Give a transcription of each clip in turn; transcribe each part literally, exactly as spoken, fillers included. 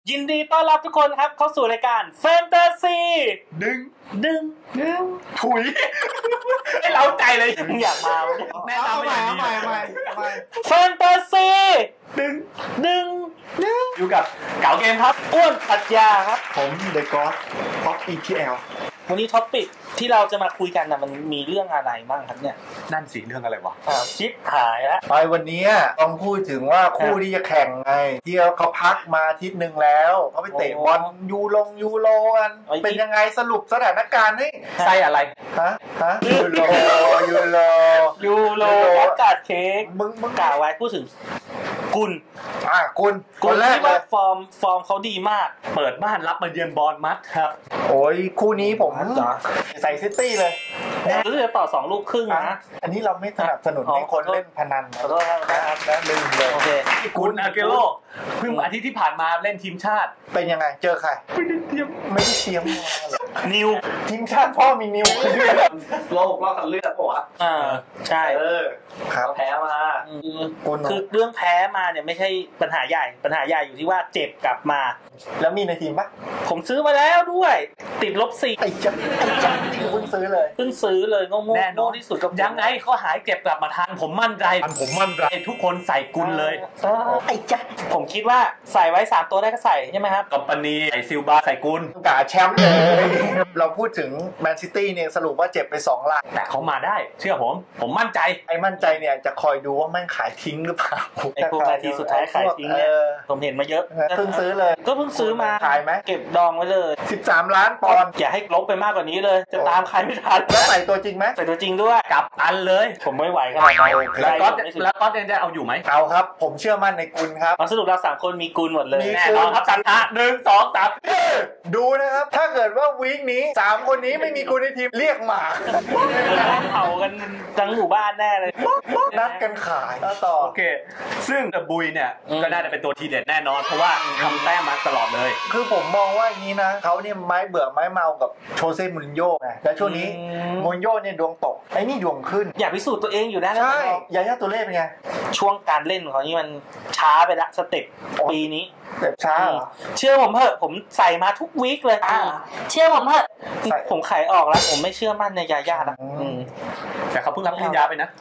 ยินดีต้อนรับทุกคนครับเข้าสู่รายการแฟนตาซีดึงดึงดึงถุยไม่เล้าใจเลยอยากมาแม่ทำไม่ใหม่ใหม่ใหม่แฟนตาซีดึงดึงดึงอยู่กับเก๋าเกมครับอ้วนปรัชญาครับผมเดอะก็อดพ็อก อี ที แอลวันนี้ท็อปปิกที่เราจะมาคุยกันนะมันมีเรื่องอะไรบ้างครับเนี่ยนั่นสิเรื่องอะไรวะอ้าวชิปหายแล้วไปวันนี้ต้องพูดถึงว่าคู่ที่จะแข่งไงที่เขาพักมาอาทิตย์นึงแล้วเขาไปเตะบอลยูโรยูโรกันเป็นยังไงสรุปสถานการณ์ให้ใส่อะไรฮะฮะยูโรยูโรยูโรอากาศเค้กมึงมึงกล่าวไว้พูดถึงกุลอ่ะกุลคนแรกเลยฟอร์มฟอร์มเขาดีมากเปิดบ้านรับมาเยือนบอลมัดครับโอ้ยคู่นี้ผมใส่ซิตี้เลยรู้สึกจะต่อสองลูกครึ่งนะอันนี้เราไม่สนับสนุนให้คนเล่นพนันขอโทษครับนะลืมเลยโอเคกุลอาเกโร่เพิ่งอาทิตย์ที่ผ่านมาเล่นทีมชาติเป็นยังไงเจอใครไม่ได้เตรียมไม่ได้เตรียมนิวทีมชาติพ่อมีนิวโลกรอบคัดเลือกป่ะวะอ่าใช่เออครับแพ้มาคือเรื่องแพ้มาเนี่ยไม่ใช่ปัญหาใหญ่ปัญหาใหญ่อยู่ที่ว่าเจ็บกลับมาแล้วมีในทีมปะผมซื้อมาแล้วด้วยติดลบสี่ไอ้จ๊ะไอ้จ๊ะนี่เพิ่งซื้อเลยเพิ่งซื้อเลยโง่โง่ที่สุดกับยังไงเขาหายเจ็บกลับมาทันผมมั่นใจผมมั่นใจทุกคนใส่กุลเลยไอ้จ๊ะผมคิดว่าใส่ไว้สามตัวได้ก็ใส่ใช่ไหมครับกัปปานีใส่ซิลบาใส่กุลกาแชมป์เลยเราพูดถึงแมนซิตี้เนี่ยสรุปว่าเจ็บไปสองล้านแต่เขามาได้เชื่อผมผมมั่นใจไอ้มั่นใจเนี่ยจะคอยดูว่าแม่งขายทิ้งหรือเปล่าไอ้พวกนาทีสุดท้ายขายทิ้งเนี่ยผมเห็นมาเยอะเพิ่งซื้อเลยก็เพิ่งซื้อมาขายไหมเก็บดองไว้เลยสิบสามล้านปอนด์อย่าให้ลบไปมากกว่านี้เลยจะตามใครไม่ทันแล้วใส่ตัวจริงไหมใส่ตัวจริงด้วยกับอันเลยผมไม่ไหวขนาดนั้นแล้วก็แล้วก็ยังจะเอาอยู่ไหมเอาครับผมเชื่อมั่นในกุลครับสรุปเราสามคนมีกุลหมดเลยแน่นอนครับสันทะหนึ่งสองสามดูนะครับถ้าเกิดว่าวีคนี้สามคนนี้ไม่มีกุลในทีมเรียกหมาเผากันทั้งหมู่บ้านแน่เลยนัดกันขายต่อโอเคซึ่งบุยเนี่ยก็น่าจะเป็นตัวทีเด็ดแน่นอนเพราะว่าทำแต้มมาตลอดเลยคือผมมองว่าอย่างนี้นะเขาเนี่ยไม้เบื่อไม้เมากับโชเซ่มูรินโญ่ไงแล้วช่วงนี้มูรินโญ่เนี่ยดวงตกไอ้นี่ดวงขึ้นอยากพิสูจน์ตัวเองอยู่นะใช่ยาย่าตัวเล่เป็นไงช่วงการเล่นของเขานี่มันช้าไปละสเต็ปปีนี้แบบช้าเชื่อผมเถอะผมใส่มาทุกวีคเลยเชื่อผมเถอะผมขายออกแล้วผมไม่เชื่อมั่นในยาย่าละแต่เขาเพิ่งรับปริญญาไปนะ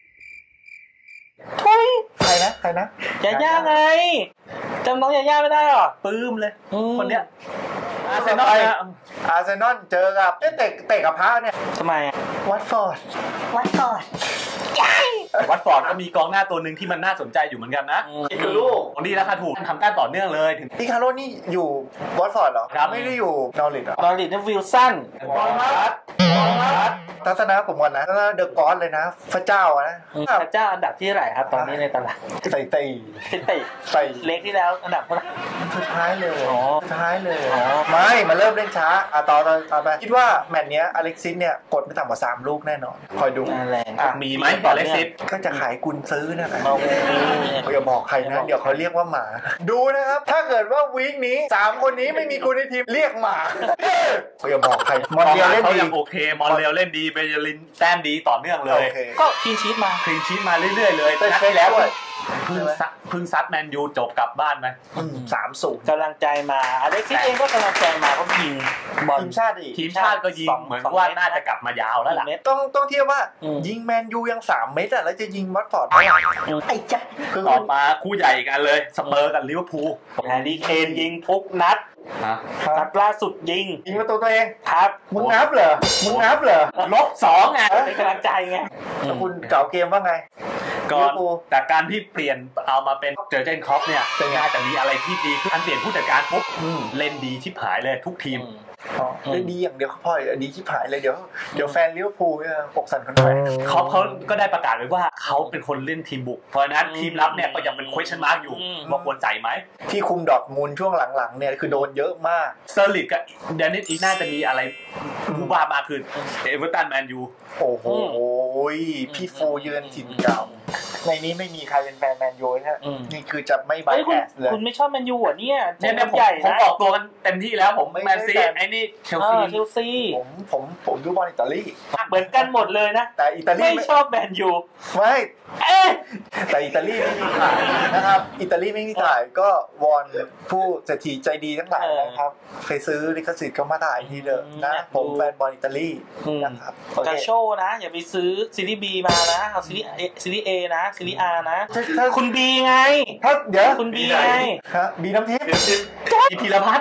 ทุยใครนะใครนะยาย่าไงจำน้องยาย่าไม่ได้หรอปื้มเลยคนเนี้ยอาร์เซนอลอาร์เซนอลเจอกับเตะเตะกับพระเนี่ยทำไมวัตฟอร์ดวัตฟอร์ดวัตฟอร์ดก็มีกองหน้าตัวหนึ่งที่มันน่าสนใจอยู่เหมือนกันนะอิคารุของดีราคาถูกทำแต้มต่อเนื่องเลยถึงอิคารุนี่อยู่วัตฟอร์ดเหรอไม่ได้อยู่นอริทเหรอนอริทนี่วิลสันบอลมัดบอลมัดทัศนะผมก่อนนะเดอะก็อดเลยนะพระเจ้านะพระเจ้าอันดับที่เท่าไหร่ครับตอนนี้ในตลาดใส่ตีใส่ใส่เล็กที่แล้วอันดับเท่าไหร่สุดท้ายเลยอ๋อสุดท้ายเลยอ๋อไม่มาเริ่มเล่นช้าอ่ะต่อต่อต่อไปคิดว่าแมตช์เนี้ยอเล็กซิสเนี่ยกดไม่ต่ำกว่าสามลูกแน่นอนคอยดูแรงมีไหมต่ออเล็กซิสก็จะขายกุญซื้อนั่นแหละอย่าบอกใครนะเดี๋ยวเขาเรียกว่าหมาดูนะครับถ้าเกิดว่าวีคนี้สามคนนี้ไม่มีกุญในทีมเรียกหมาอย่าบอกใครมอนเรียลเล่นดีโอเคมอนเรียลเล่นดีเบเยลินแต้มดีต่อเนื่องเลยก็คลีนชีทมาคลีนชีทมาเรื่อยๆเลยนัดที่แล้วพึ่งซัดพึ่งซัดแมนยูจบกลับบ้านไหมสามศูนย์กำลังใจมาอเล็กซิสเองก็กำลังใจมาเพราะยิงบอลทีมชาติทีมชาติก็ยิงเหมือนว่าน่าจะกลับมายาวแล้วล่ะต้องต้องเทียบว่ายิงแมนยูยังสามเมตรอ่ะแล้วจะยิงวัตฟอร์ดได้ไอ้จ๊ะต่อมาคู่ใหญ่กันเลยสเปอร์กับลิเวอร์พูลแฮร์รี่เคนยิงทุกนัดนัดล่าสุดยิงยิงประตูตัวเองครับมึงนับเหรอมึงนับเหรอลบสองไงเป็นกำลังใจไงคุณเก่าเกมว่าไงก่อนแต่การที่เปลี่ยนเอามาเป็นเจอเจนครอปเนี่ยน่าจะมีอะไรที่ดีคือการเปลี่ยนผู้จัดการปุ๊บเล่นดีชิบหายเลยทุกทีมเล่นดีอย่างเดียวพอดีชิบหายเลยเดี๋ยวเดี๋ยวแฟนลิเวอร์พูลเนี่ยปกสั่นคนแฝงเขาเขาก็ได้ประกาศไว้ว่าเขาเป็นคนเล่นทีมบุกเพราะนั้นทีมรับเนี่ยก็ยังเป็น question mark อยู่ว่าควรใส่ไหมที่คุมดอร์ทมุนด์ช่วงหลังๆเนี่ยคือโดนเยอะมากเซอร์ลิกกับเดนิสอีน่าจะมีอะไรผู้ว่ามาคือเอเวอร์ตันแมนยูโอ้โหพี่ฟูเยือนถิ่นเก่าในนี้ไม่มีใครเป็นแฟนแมนยูนะนี่คือจะไม่ไบแอสเลยคุณไม่ชอบแมนยูอ่ะเนี่ยเนี่ยผมผมออกตัวกันเต็มที่แล้วผมแมนซีไอ้นี่เชลซีเชลซีผมผมผมดูบอลอิตาลีเหมือนกันหมดเลยนะแต่อิตาลีไม่ชอบแมนยูไม่แต่อิตาลีไม่มีขายนะครับอิตาลีไม่มีขายก็วอนผู้เศรษฐีใจดีทั้งหลายนะครับเคยซื้อลิขสิทธิ์ก็มาถ่ายทีเดิมนะผมแฟนบอลอิตาลีนะครับกาโชนะอย่าไปซื้อซีรีส์ B มานะเอาซีรีส์ซีรีส์ A นะซีรีส์ R นะคุณ B ไงถ้าเดี๋ยวคุณ B ไงฮะ B น้ำทิพย์อีพีละพัด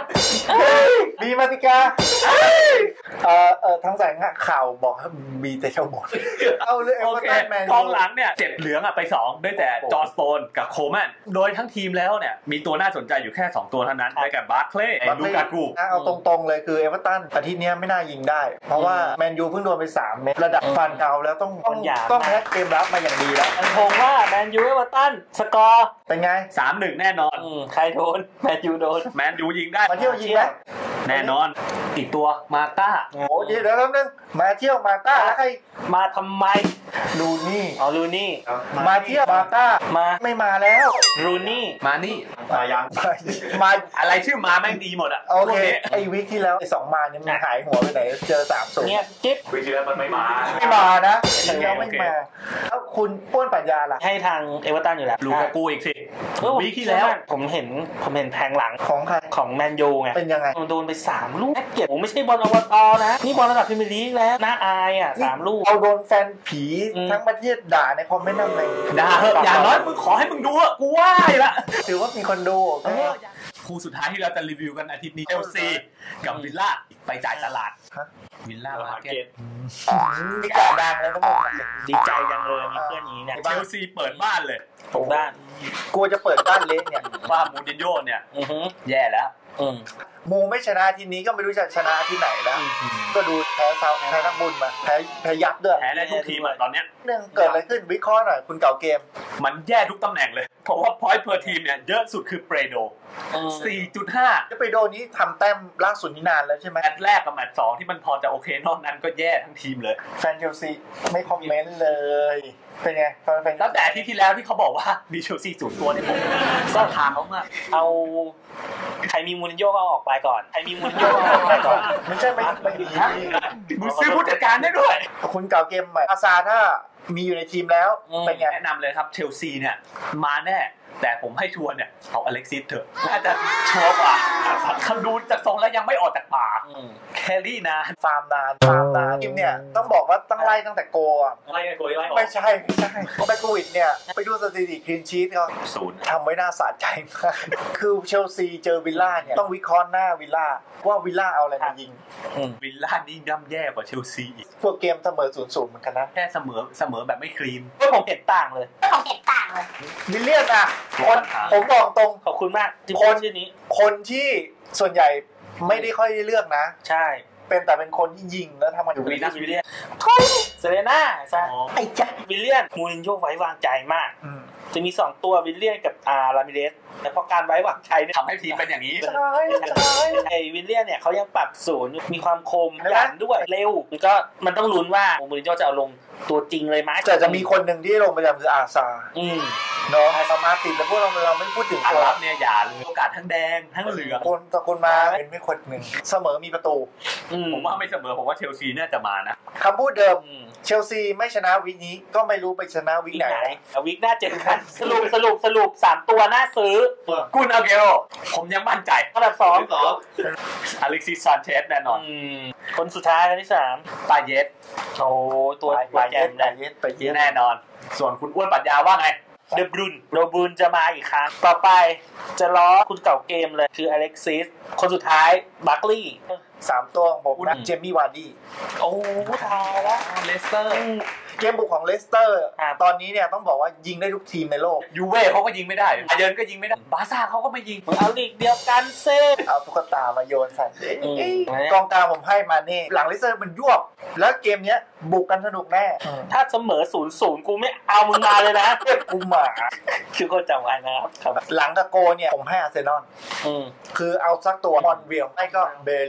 B มาติกาเอ่อเอ่อทั้งสายข่าวบอกให้ B แต่เจ้าบอลเอาเลยเอเวอร์ตันแมนกองหลังเนี่ยเจ็บเหลืองอ่ะไปสองได้แต่จอร์จสโตนกับโคลแมนโดยทั้งทีมแล้วเนี่ยมีตัวน่าสนใจอยู่แค่สองตัวเท่านั้นได้แก่บาร์คเลย์ลูกากูเอาตรงๆเลยคือเอเวอร์ตันอาทิตย์นี้ไม่น่ายิงได้เพราะว่าแมนยูเพิ่งโดนไปสามเม็ดระดับฟันเก่าแล้วต้องต้องแพ็คเกมรับมาอย่างดีแล้วมันคงว่าแมนยูเอเวอร์ตันสกอร์เป็นไงสามหนึ่ง แน่นอนใครโดนแมนยูโดนแมนยูยิงได้มาเที่ยวยิงได้แน่นอนอีกตัวมาต้าโอ้ยเดี๋ยวแป๊บนึงมาเที่ยวมาต้าแล้วใครมาทำไมลูนี่อ๋อลูนี่มาเที่ยวมาต้ามาไม่มาแล้วลูนี่มานี่มายังมาอะไรชื่อมาแม่งดีหมดอ่ะโอเคไอ้วิกที่แล้วไอ้สองมาเนี่ยมันหายหัวไปไหนเจอสามศูนย์เนี่ยจิ๊บวิกที่แล้วมันไม่มาไม่มานะแล้วไม่มาแล้วคุณป้วนปัญญาล่ะให้ทางเอเวอร์ตันอยู่แล้วลูกากูอีกสิวิกที่แล้วผมเห็นผมเห็นแทงหลังของใครของแมนยูไงเป็นยังไงโดนไปสามลูกเก็บผมไม่ใช่บอลอบตนะนี่บอลระดับพรีเมียร์ลีกแล้วน่าอายอ่ะสามลูกเอาโดนแฟนผีทั้งประเทศด่าในคอมเมนต์นั่นเลยด่าเหอะอย่างน้อยมึงขอให้มึงดูอ่ะกูไหว้ละถือว่ามีคนดูคู่สุดท้ายที่เราจะรีวิวกันอาทิตย์นี้เชลซีกับวิลล่าไปจ่ายตลาดวิลล่ามาร์เก็ตมีการดังแล้วทั้งหมดดีใจจังเลยมีเพื่อนนี้เนี่ยเชลซีเปิดบ้านเลยผมด้านกลัวจะเปิดบ้านเละเนี่ยว่ามูรินโญ่เนี่ยแย่แล้วมูไม่ชนะทีนี้ก็ไม่รู้จะชนะที่ไหนแล้วก็ดูแพ้เซาแพ้นักบุญมาแพ้แพ้ยับด้วยแพ้ได้ทุกทีมตอนเนี้ยเรื่องเกิดอะไรขึ้นวิเคราะห์หน่อยคุณเก่าเกมมันแย่ทุกตำแหน่งเลยเพราะว่าพอยต์เพอร์ทีมเนี่ยเยอะสุดคือเปโด สี่จุดห้าจะไปโดนนี้ทำแต้มล่าสุดนี้นานแล้วใช่ไหมแมตช์แรกกับแมตช์สองที่มันพอจะโอเคนอกนั้นก็แย่ทั้งทีมเลยแฟนเชลซีไม่คอมเมนต์เลยเป็นไงแฟนตั้งแต่ที่ที่แล้วที่เขาบอกว่ามีเชลซีศูนย์ตัวเนี่ยผมก็ถามเขาว่าเอาใครมีมูรินโญ่ก็เอาออกไปก่อนใครมีมูรินโญ่ก็เอาออกไปก่อนไม่ใช่ไม่ไม่ดีมึงซื้อผู้จัดการได้ด้วยคุณเก่าเกมใหม่อาซาถ้ามีอยู่ในทีมแล้วเป็นไงแนะนำเลยครับเชลซีเนี่ยมาแน่แต่ผมให้ชัวร์เนี่ยเอาอเล็กซิสเถอะน่าจะชัวร์กว่าเขาดูจากทรงแล้วยังไม่ออกจากป่าแครี่นานฟาร์มนานฟาร์มนานทีมเนี่ยต้องบอกว่าตั้งไล่ตั้งแต่โกอ่ะไล่โกไล่ไม่ใช่ไม่ใช่ไปโควิดเนี่ยไปดูสถิติคลีนชีทเขาศูนย์ทำไว้น่าสะใจมากคือเชลซีเจอวิลล่าเนี่ยต้องวิเคราะห์หน้าวิลล่าว่าวิลล่าเอาอะไรมายิงวิลล่านี่ย่ำแย่กว่าเชลซีอีกพวกเกมเสมอศูนย์ศูนย์เหมือนกันนะแค่เสมอเสมอแบบไม่คลีนก็ผมเห็นต่างเลยผมเห็นต่างเลยวิลเลียนอ่ะคนผมบอกตรงขอบคุณมากคนชื่อนี้คนที่ส่วนใหญ่ไม่ได้ค่อยเลือกนะใช่เป็นแต่เป็นคนที่ยิงแล้วทำมันอยู่วิลเลียนวิลเลียนเซเลน่าใช่ไอ้จ๊ะวิลเลียนมูรินโญ่ไว้วางใจมากจะมีสองตัววิลเลียนกับอาร์รามิเรสแต่พอการไว้วางใจเนี่ยทำให้ทีมเป็นอย่างนี้ใช่ใช่ไอ้วิลเลียนเนี่ยเขายังปรับศูนย์มีความคมหยันด้วยเร็วก็มันต้องลุ้นว่ามูรินโญ่จะเอาลงตัวจริงเลยไหมแต่จะมีคนหนึ่งที่ลงประจำคืออาซาเนาะอาซามาติดแล้วพวกเราเราไม่พูดถึงอารับเนี่ยอย่าเลยโอกาสทั้งแดงทั้งเหลืองคนตะคนมาเป็นไม่คนหนึ่งเสมอมีประตูผมว่าไม่เสมอผมว่าเชลซีน่าจะมานะคำพูดเดิมเชลซีไม่ชนะวิกนี้ก็ไม่รู้ไปชนะวิกไหนวิกหน้าเจ็ดกันสรุปสรุปสรุปสามตัวน่าซื้อกุนอาเกโรผมยังมั่นใจอันดับสองอเล็กซิสซานเชสแน่นอนคนสุดท้ายคนที่สามปาเยสโอ้ตัวปาเยสปาเยสปาเยสแน่นอนส่วนคุณอ้วนปัญญาว่าไงเดบรุนโดบรุนจะมาอีกครั้งต่อไปจะล้อคุณเก่าเกมเลยคืออเล็กซิสคนสุดท้ายบัคลี่สามตัวของผมนะเจมี่วาร์ดี้โอ้ตายแล้วเลสเตอร์เกมบุกของเลสเตอร์ตอนนี้เนี่ยต้องบอกว่ายิงได้ทุกทีมในโลกยูเว่เขาก็ยิงไม่ได้บาเยิร์นก็ยิงไม่ได้บาร์ซ่าเขาก็ไม่ยิงเอาลีกเดียวกันเซ่เอาตุ๊กตามาโยนใส่กองกลางผมให้มาเน่หลังเลสเตอร์มันยวบแล้วเกมเนี้ยบุกกันสนุกแน่ถ้าเสมอศูนย์ศูนย์กูไม่เอามึงมาเลยนะกูมาคือคนจำไว้นะครับหลังตะโกเนี่ยผมให้อาร์เซนอลคือเอาสักตัวมอนเวียลไม่ก็เบลินจะ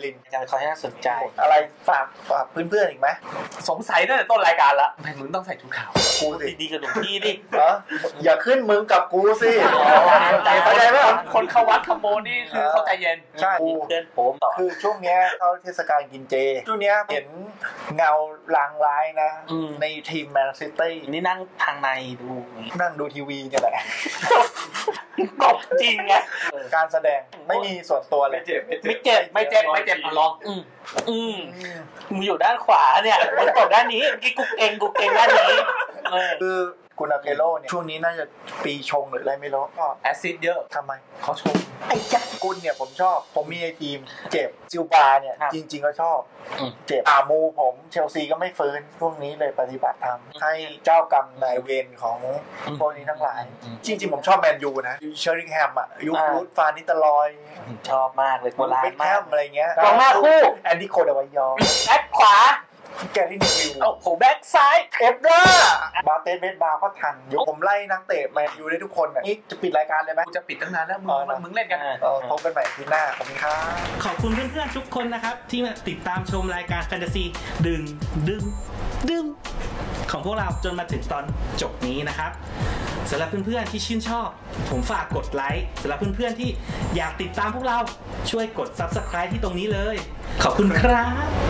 วิเคราะห์ให้น่าสนใจอะไรฝากฝากเพื่อนๆอีกไหมสงสัยตั้งแต่ต้นรายการละทำไมมึงต้องใส่ชุดขาวกูสิดีๆกับหลวงพี่ดิเอออย่าขึ้นมึงกับกูสิเข้าใจไหมคนเข้าวัดขโมยนี่คือเข้าใจเย็นใช่เพื่อนผมต่อคือช่วงเนี้ยเขาเทศกาลกินเจช่วงเนี้ยเห็นเงาลางร้ายนะในทีมแมนซิตี้นี่นั่งทางในดูนั่งดูทีวีเนี่ยแหละตบจริงไงการแสดงไม่มีส่วนตัวเลยไม่เจ็บไม่เจ็บไม่เจ็บไม่เจ็บลองอืมอืมมึงอยู่ด้านขวาเนี่ยมึงตบด้านนี้เมื่อกี้กูเก่งกูเก่งด้านนี้คือกุนาเกโร่เนี่ยช่วงนี้น่าจะปีชงหรืออะไรไม่รู้ก็แอซิดเยอะทำไมเขาชงไอ้จักกุนเนี่ยผมชอบผมมีไอทีมเจ็บซิลบาเนี่ยจริงๆก็ชอบเจ็บอามูผมเชลซีก็ไม่ฟื้นช่วงนี้เลยปฏิบัติธรรมให้เจ้ากรรมนายเวรของพวกนี้ทั้งหลายจริงๆผมชอบแมนยูนะเชอริงแฮมอ่ะยุครูทฟานิตลอยชอบมากเลยโบราณมากอะไรเงี้ยกองหน้าคู่แอนดี้โคเดวายอแบ็คขวาแกรี่นิวิลโอ้โหแบ็คซ้ายเอฟด้าบาเตสเบสบาร์ก็ทันอยู่ผมไล่นักเตะแมนยูได้ทุกคนน่ะนี่จะปิดรายการเลยไหมกูจะปิดตั้งนานแล้วมึงมึงเล่นกันพบกันใหม่ทีหน้าขอบคุณครับขอบคุณเพื่อนๆทุกคนนะครับที่มาติดตามชมรายการแฟนตาซีดึงดึงดึงของพวกเราจนมาถึงตอนจบนี้นะครับสำหรับเพื่อนๆที่ชื่นชอบผมฝากกดไลค์สำหรับเพื่อนๆที่อยากติดตามพวกเราช่วยกด ซับสไครบ์ ที่ตรงนี้เลยขอบคุณครับ